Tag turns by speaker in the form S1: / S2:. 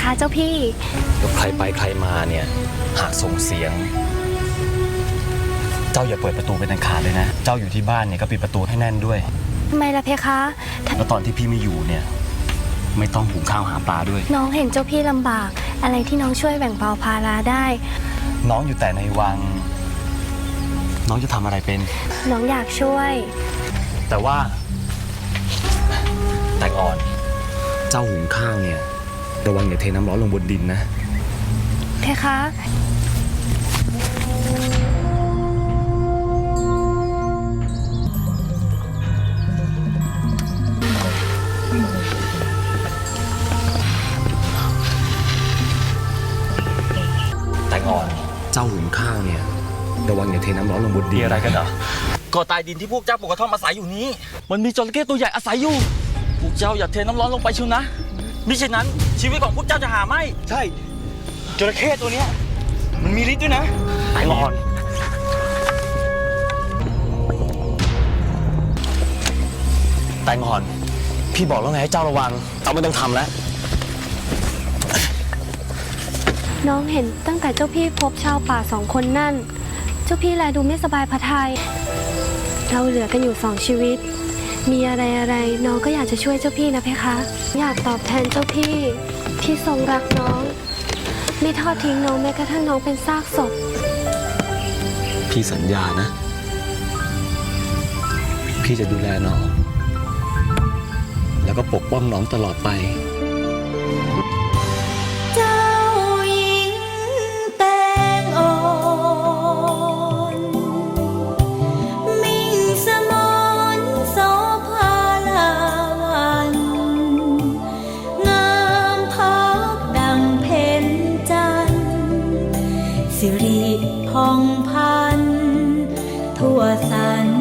S1: คะเจ้าพี่
S2: แล้วใครไปใครมาเนี่ยหากส่งเสียงเจ้าอย่าเปิดประตูเป็นอันขาดเลยนะเจ้าอยู่ที่บ้านเนี่ยก็ปิดประตูให้แน่นด้วย
S1: ทำไมล่ะเพคะ
S2: แล้วตอนที่พี่ไม่อยู่เนี่ยไม่ต้องหุงข้าวหาปลาด้วย
S1: น้องเห็นเจ้าพี่ลำบากอะไรที่น้องช่วยแบ่งเบาภาระได้
S2: น้องอยู่แต่ในวังน้องจะทำอะไรเป็น
S1: น้องอยากช่วย
S2: แต่ว่าแตงอ่อนเจ้าหุงข้าวเนี่ยระวังอย่าเทน้ำร้อนลงบนดินนะ
S1: เพคะ
S2: แตงอ่อนเจ้าหุงข้าวเนี่ยระวังอย่าเทน้ำร้อนลงบนดินอะไรกันเหรอ
S3: ก็ใต้ดินที่พวกเจ้าปลูกกระท่อมอาศัยอยู่นี้มันมีจระเข้ตัวใหญ่อาศัยอยู่พวกเจ้าอย่าเทน้ำร้อนลงไปเชียวนะมิฉะนั้นชีวิตของพวกเจ้าจะหาไม่
S2: ใช่จระเข้ตัวเนี้ยมันมีฤทธิ์ด้วยนะแตงอ่อนแตงอ่อนพี่บอกแล้วไงให้เจ้าระวังเจ้าไม่ต้องทำแล้ว
S1: น้องเห็นตั้งแต่เจ้าพี่พบชาวป่า2 คนนั่นเจ้าพี่แลดูไม่สบายพระทัยเราเหลือกันอยู่2 ชีวิตมีอะไรน้องก็อยากจะช่วยเจ้าพี่นะเพคะอยากตอบแทนเจ้าพี่ที่ทรงรักน้องไม่ทอดทิ้งน้องแม้กระทั่งน้องเป็นซากศพ
S2: พี่สัญญานะพี่จะดูแลน้องแล้วก็ปกป้องน้องตลอดไป
S4: สิริพองพันทั่วสรร